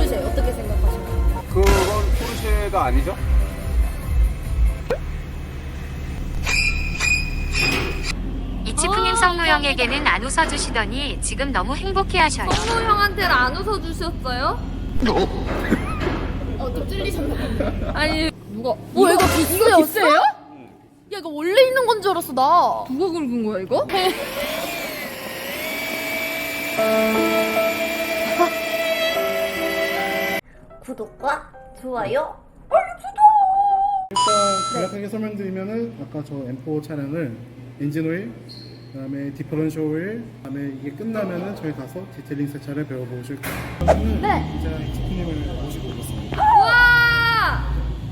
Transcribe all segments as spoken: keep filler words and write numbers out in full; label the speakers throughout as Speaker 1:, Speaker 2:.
Speaker 1: 포르쉐 어떻게 생각하십니까?
Speaker 2: 그건 포르쉐가 아니죠?
Speaker 3: 이치프님 성노 형에게는 안 웃어주시더니 지금 너무 행복해하셔요.
Speaker 4: 성노 형한테는 안 웃어주셨어요?
Speaker 1: 어, 좀 찔리셨나?
Speaker 4: 아니 누가
Speaker 1: 어, 이거 비스예요? 비스예요? 야, 이거 원래 있는 건 줄 알았어, 나.
Speaker 4: 누가 긁은 거야 이거?
Speaker 1: 구독과 좋아요.
Speaker 5: 일단 간략하게 설명드리면은 아까 저 엠 사 차량을 엔진 오일, 그다음에 디퍼런셜 오일, 그다음에 이게 끝나면은 저희 가서 디테일링 세차를 배워보실 거예요.
Speaker 1: 네.
Speaker 5: 이제 이치프님을 모시고 오겠습니다.
Speaker 4: 와!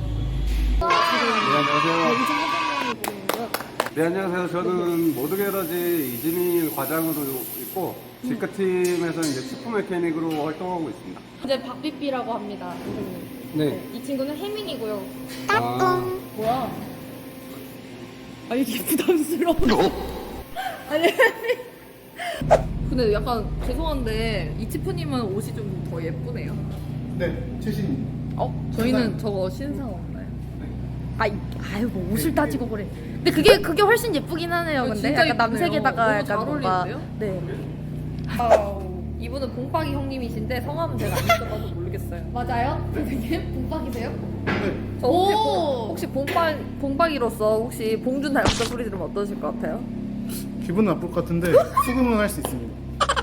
Speaker 2: 네, 안녕하세요. 네, 안녕하세요. 저는 모드게러지 이진희 과장으로 있고 직구팀에서 이제 치프 메케닉으로 활동하고 있습니다.
Speaker 4: 이제 박비비라고 합니다. 선생님.
Speaker 2: 네.
Speaker 4: 이 친구는 혜민이고요.
Speaker 2: 아,
Speaker 4: 뭐야? 아 이게 부담스러워. 아니 근데 약간 죄송한데 이치프님은 옷이 좀 더 예쁘네요.
Speaker 5: 네, 최신.
Speaker 4: 어? 저희는 저거 신상 없나요?
Speaker 1: 아이, 아유, 뭐 옷을 따지고 그래. 근데 그게, 그게 훨씬 예쁘긴 하네요,
Speaker 4: 어,
Speaker 1: 근데.
Speaker 4: 진짜
Speaker 1: 약간 남색에다가
Speaker 4: 너무
Speaker 1: 약간
Speaker 4: 잘
Speaker 1: 뭔가.
Speaker 4: 어울리는데요?
Speaker 1: 네.
Speaker 4: 아우, 이분은 봉박이 형님이신데 성함은 제가 안 써봐서 모르겠어요.
Speaker 1: 맞아요? 선생님? 봉박이세요?
Speaker 5: 네,
Speaker 4: 저 혹시,
Speaker 1: 오!
Speaker 4: 봉, 혹시 봉박, 봉박이로서 혹시 봉준 닮았다 소리 들으면 어떠실 것 같아요?
Speaker 5: 기분 나쁠 것 같은데 수긍은 할 수 있습니다.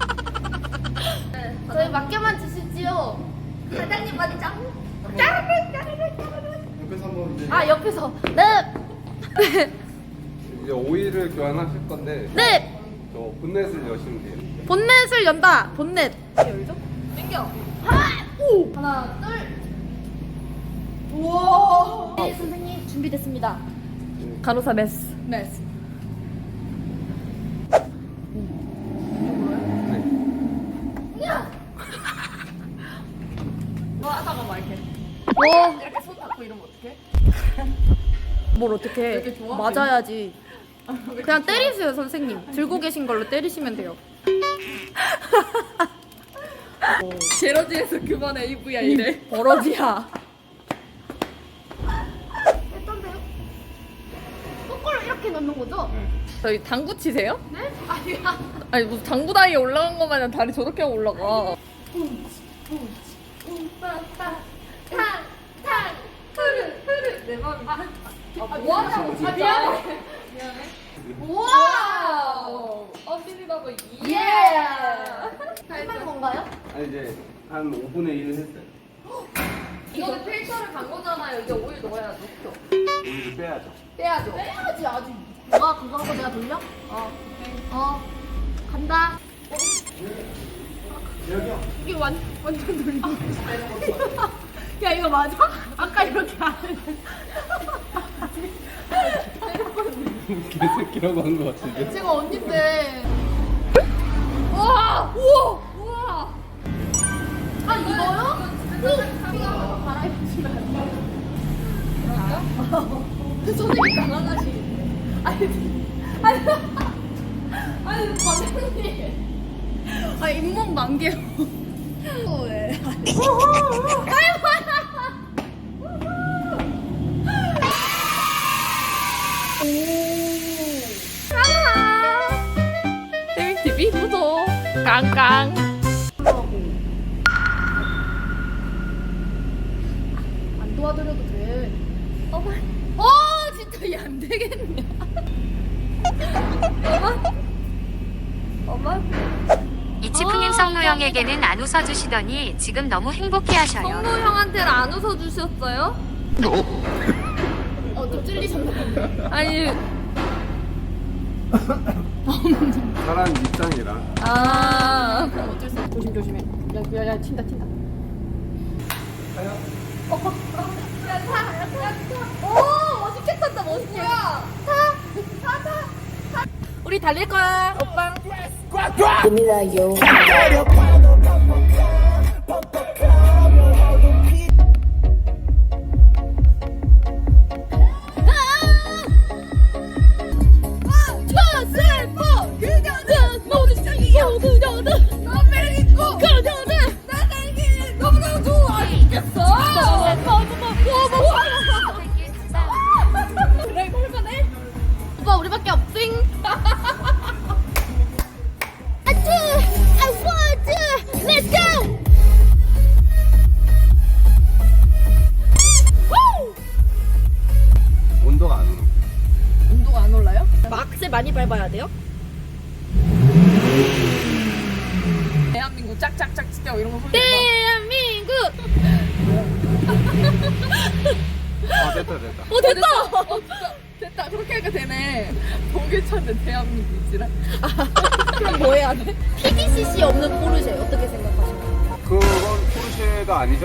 Speaker 1: 저희 맡겨만 주시지요. 사장님 많이 짱. 짜르르, 짜르르, 짜르르.
Speaker 5: 옆에서 한번 이제
Speaker 1: 아, 옆에서. 네!
Speaker 2: 이제 오일을 교환하실 건데
Speaker 1: 네!
Speaker 2: 저 본넷을 여시면 돼요.
Speaker 1: 본넷을 연다. 본넷.
Speaker 4: 열죠? 땡겨!
Speaker 1: 하나, 오! 하나, 둘. 우와. 네, 선생님 준비됐습니다.
Speaker 4: 간호사 메스.
Speaker 1: 메스.
Speaker 2: 네.
Speaker 1: 야!
Speaker 4: 뭐 하다가 막 이렇게.
Speaker 1: 와.
Speaker 4: 이렇게 손 닿고 이러면 어떡해?
Speaker 1: 뭘 어떻게
Speaker 4: 이렇게 좋아?
Speaker 1: 맞아야지. 그냥 때리세요, 선생님. 들고 계신 걸로 때리시면 돼요.
Speaker 4: 제러지에서 그만 에이브이아이래.
Speaker 1: 버러지야. 했던데요? 거꾸로 이렇게 넣는 거죠?
Speaker 4: 저희 당구 치세요?
Speaker 1: 네? 아니야.
Speaker 4: 아니 무슨 당구 다이에 올라간 것 마냥 다리 저렇게 하고 올라가.
Speaker 1: um빠빠 탕! 탕! 흐르! 흐르!
Speaker 4: 내 맘이.
Speaker 1: 아,
Speaker 4: 아, 뭐하냐고 진짜.
Speaker 1: 아, 미안해.
Speaker 4: 미안해.
Speaker 1: 우와!
Speaker 4: 와우. 언빌리버블.
Speaker 1: 예!
Speaker 4: 잘
Speaker 1: 할만 건가요?
Speaker 2: 아니 이제 한 오분의 일을 했어요.
Speaker 4: 이거는 필터를 간 거잖아요. 이제 오일 넣어야죠.
Speaker 2: 오일을 빼야죠.
Speaker 4: 빼야죠.
Speaker 1: 빼야지 아주. 너가 그거 하고 내가 돌려?
Speaker 4: 어.
Speaker 1: 어. 간다.
Speaker 2: 여기요.
Speaker 1: 이게 완, 완전 돌려. 야, 이거 맞아? 아까 이렇게 안 했는데.
Speaker 2: 개새끼라고 한 것 같은데.
Speaker 1: 제가 언니인데.
Speaker 4: 우와! 우와! 우와!
Speaker 1: 아, 이거요? 오! 갈아입히시면 안 돼요? 그럴까? 선생님 강하다시겠네. 아니, 아니, 아니, 선생님. 아, 잇몸 만개요. 어, 왜? 아이고!
Speaker 4: 땡티비 구독 깡깡.
Speaker 1: 안 도와드려도 돼. 어, 어 진짜 얘 안 되겠네.
Speaker 4: 엄마?
Speaker 3: 이치프님 성노 형에게는 안 웃어주시더니 지금 너무 행복해하셔요.
Speaker 4: 성노 형한테는 안 웃어주셨어요?
Speaker 1: 어, 좀 찔리셨나?
Speaker 4: 아니.
Speaker 2: 사람 입장이라.
Speaker 4: 아.
Speaker 1: 어쩔 수 없어. 조심 조심해. 야, 야, 야, 튄다 튄다. 어, 어, 야, 타, 야, 타, 타. 오, 멋있게 탄다, 멋있게. 타, 타, 타, 타. 우리 달릴 거야, 오빠. 모두 시작이야. 그녀는 나 매력 있고 그녀는 나 달기 너무너무 좋아. 물어봐야 돼요?
Speaker 4: 대한민국 짝짝짝 진짜 이런 거 소리.
Speaker 1: 대한민국!
Speaker 2: 아 됐다 됐다.
Speaker 1: 어, 됐다!
Speaker 4: 됐다. 그렇게 하니까 되네. 독일 찾는 대한민국이지라.
Speaker 1: 그럼 뭐 해야 돼? 피디씨씨 없는 포르쉐 어떻게 생각하십니까?
Speaker 2: 그건 포르쉐가 아니죠?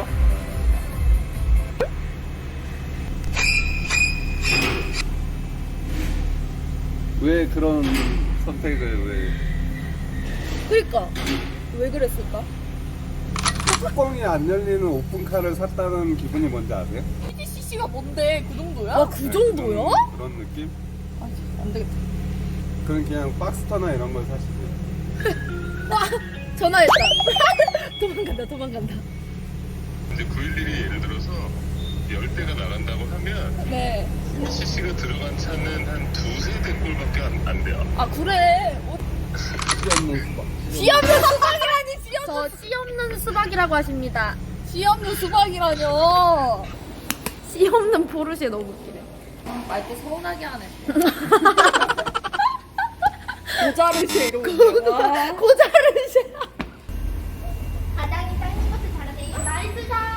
Speaker 2: 왜 그런 선택을 왜?
Speaker 1: 그니까 왜 그랬을까?
Speaker 2: 뚜껑이 안 열리는 오픈카를 샀다는 기분이 뭔지 아세요?
Speaker 4: 피디씨씨가 뭔데 그 정도야?
Speaker 1: 와, 그 정도야?
Speaker 2: 그런, 그런 느낌?
Speaker 4: 아, 안 되겠다.
Speaker 2: 그럼 그냥 박스터나 이런 걸 사시세요.
Speaker 1: 와, 전화했다. 도망간다, 도망간다.
Speaker 6: 이제 구일일이 예를 들어서 열 대가 나간다고 하면
Speaker 4: 네.
Speaker 6: 씨씨가 들어간 차는 한 두세 대 꼴밖에 안, 안 돼요.
Speaker 4: 아 그래. 어,
Speaker 2: 없는 수박.
Speaker 1: 씨 없는 수박이라니, 씨 없는 저 씨 없는 수박이라고 하십니다.
Speaker 4: 씨 없는 수박이라뇨.
Speaker 1: 씨 없는 포르쉐 너무 웃기네.
Speaker 4: 말때 서운하게 하네. 고자르쉐 이러고. 와.
Speaker 1: 고자르쉐.
Speaker 7: 바닥이 땅인 것을 잘하네요. 나이스 샷.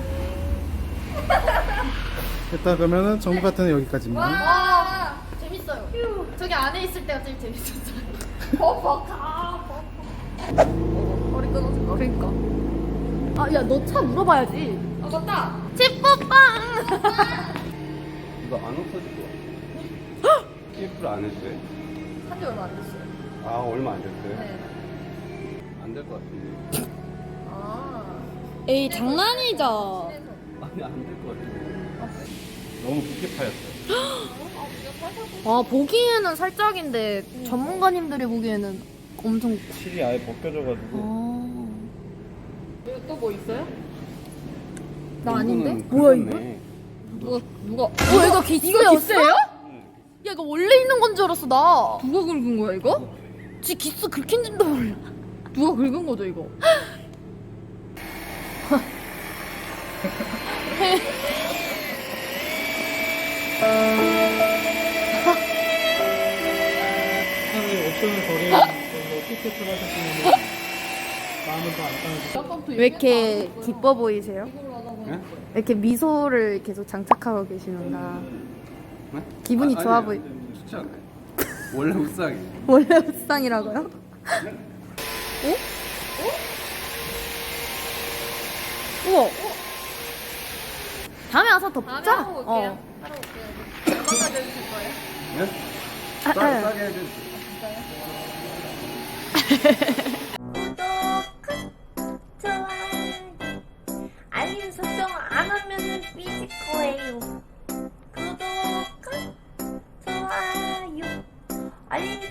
Speaker 5: 일단 그러면은 정보 같은 여기까지입니다.
Speaker 1: 와, 재밌어요. 저기 안에 있을 때가 제일 재밌었어요. 버벅가,
Speaker 4: 머리 끊어진 거.
Speaker 1: 그러니까. 아, 야, 너 차 물어봐야지.
Speaker 4: 아 맞다.
Speaker 1: 집뽀빵!
Speaker 2: 이거 안 없어질 것 같아. 피부를 안 해주세요?
Speaker 4: 산지 얼마 안 됐어요.
Speaker 2: 아 얼마 안 됐어요?
Speaker 4: 네.
Speaker 2: 안 될 것 같은데.
Speaker 4: 아.
Speaker 1: 에이, 장난이죠.
Speaker 2: 아니 안 될 것 같은데. 너무 깊게 파였어요.
Speaker 1: 아, 보기에는 살짝인데, 전문가님들이 보기에는 엄청.
Speaker 2: 실이 아예 벗겨져가지고.
Speaker 1: 아.
Speaker 4: 또 뭐 있어요?
Speaker 1: 나 아닌데?
Speaker 2: 이거는
Speaker 1: 뭐야, 이거?
Speaker 2: 긁었네.
Speaker 4: 누가 누가?
Speaker 1: 어, 이거 기스였어? 야, 이거 원래 있는 건 줄 알았어, 나.
Speaker 4: 누가 긁은 거야 이거?
Speaker 1: 지 기스 긁힌 줄도 몰라.
Speaker 4: 누가 긁은 거죠 이거?
Speaker 5: 차라리 옵션을 버리는 걸로 티켓을 하셨으면 마음은 더 안타깝고
Speaker 1: 왜 이렇게 기뻐 보이세요?
Speaker 2: 네?
Speaker 1: 왜 이렇게 미소를 계속 장착하고 계시는가?
Speaker 2: 네?
Speaker 1: 기분이
Speaker 2: 아,
Speaker 1: 좋아
Speaker 2: 아니에요.
Speaker 1: 보이.
Speaker 2: 좋지 않아요. 원래 우상이.
Speaker 1: 원래 우상이라고요? 어? 어? 우와. 다음에 와서 더
Speaker 4: 다음에
Speaker 1: 뽑자.
Speaker 4: 하고 올게요.
Speaker 1: 어.
Speaker 4: 하러 올게요. 얼마나 내주실 거예요?
Speaker 2: 네?
Speaker 1: 아,
Speaker 2: 싸,
Speaker 1: 아.
Speaker 2: 싸게 해주세요.
Speaker 7: 구독, 좋아요, 알림 설정 안 하면은 삐질 거예요. 구독, 좋아요, 알림